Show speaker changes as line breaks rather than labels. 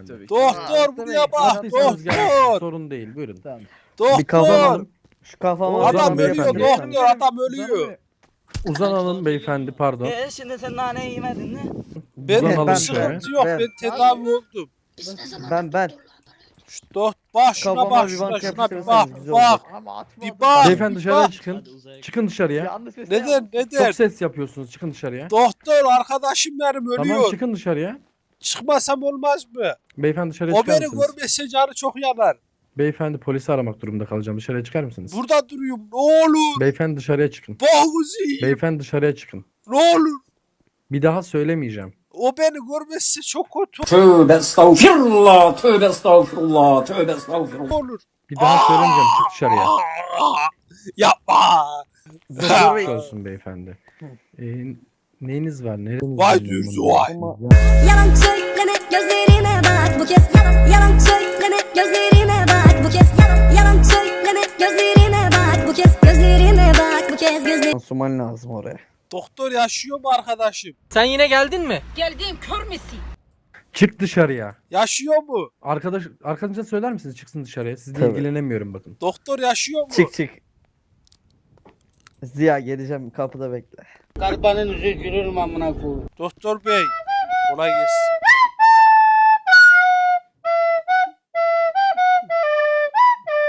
beyefendi.
tabii ki.
Doktor buraya bak.
Rahatlıysanız gelin,
Doktor.
sorun değil. Buyurun.
Tamam.
Bir kafam
Doktor.
alın. Şu kafama
Uzan
Adam ölüyor
beyefendi.
doktor. Adam ölüyor.
Uzanalım beyefendi, pardon.
Şimdi sen nane yemedin mi?
Benim
Uzanalım
bir
şöyle.
sıkıntı yok.
Ben-
Ben tedavi oldum.
Ben.
Şu bak şuna
Kafama
bak
bir
şuna
bank
şuna bir
yapıştırırsanız
bak
güzel
bak.
olur.
Bir bak.
Beyefendi
bir
dışarıya
bak.
çıkın. Çıkın dışarıya.
Yanlış bir şey
Neden
Çok
neden?
ses yapıyorsunuz. Çıkın dışarıya.
Doktor arkadaşım benim ölüyor.
Tamam, çıkın dışarıya.
Çıkmasam olmaz mı?
Beyefendi dışarıya
O
çıkar
beni
mısınız?
görmese canı çok yanar.
Beyefendi polisi aramak durumunda kalacağım. Dışarıya çıkar mısınız?
Burada duruyorum. Ne olur.
Beyefendi dışarıya çıkın.
Boğuzu yiyeyim.
Beyefendi dışarıya çıkın.
Ne olur.
Bir daha söylemeyeceğim.
O beni görmezse çok kötü
Tövbe estağfirullah, tövbe estağfirullah, tövbe estağfirullah.
olur.
Bir daha söylemeyeceğim. Çık dışarıya.
Yapma.
Doktor Bey.
Geçmiş olsun beyefendi. Neyiniz var? Nereniz
Vay
var?
dürzü vay.
Yalan söyleme gözlerime bak bu kez yalan söyleme gözlerime bak bu kez yalan söyleme gözlerime bak bu kez gözlerime bak bu kez gözlerime.
Pansuman lazım oraya.
Doktor yaşıyor mu arkadaşım?
Sen yine geldin mi?
Geldim kör müsün?
Çık dışarıya.
Yaşıyor mu?
Arkadaşınıza söyler misiniz çıksın dışarıya? Sizle
Tabii.
ilgilenemiyorum bakın.
Doktor yaşıyor mu?
Çık. Ziya geleceğim kapıda bekle.
Doktor bey. Kolay gelsin.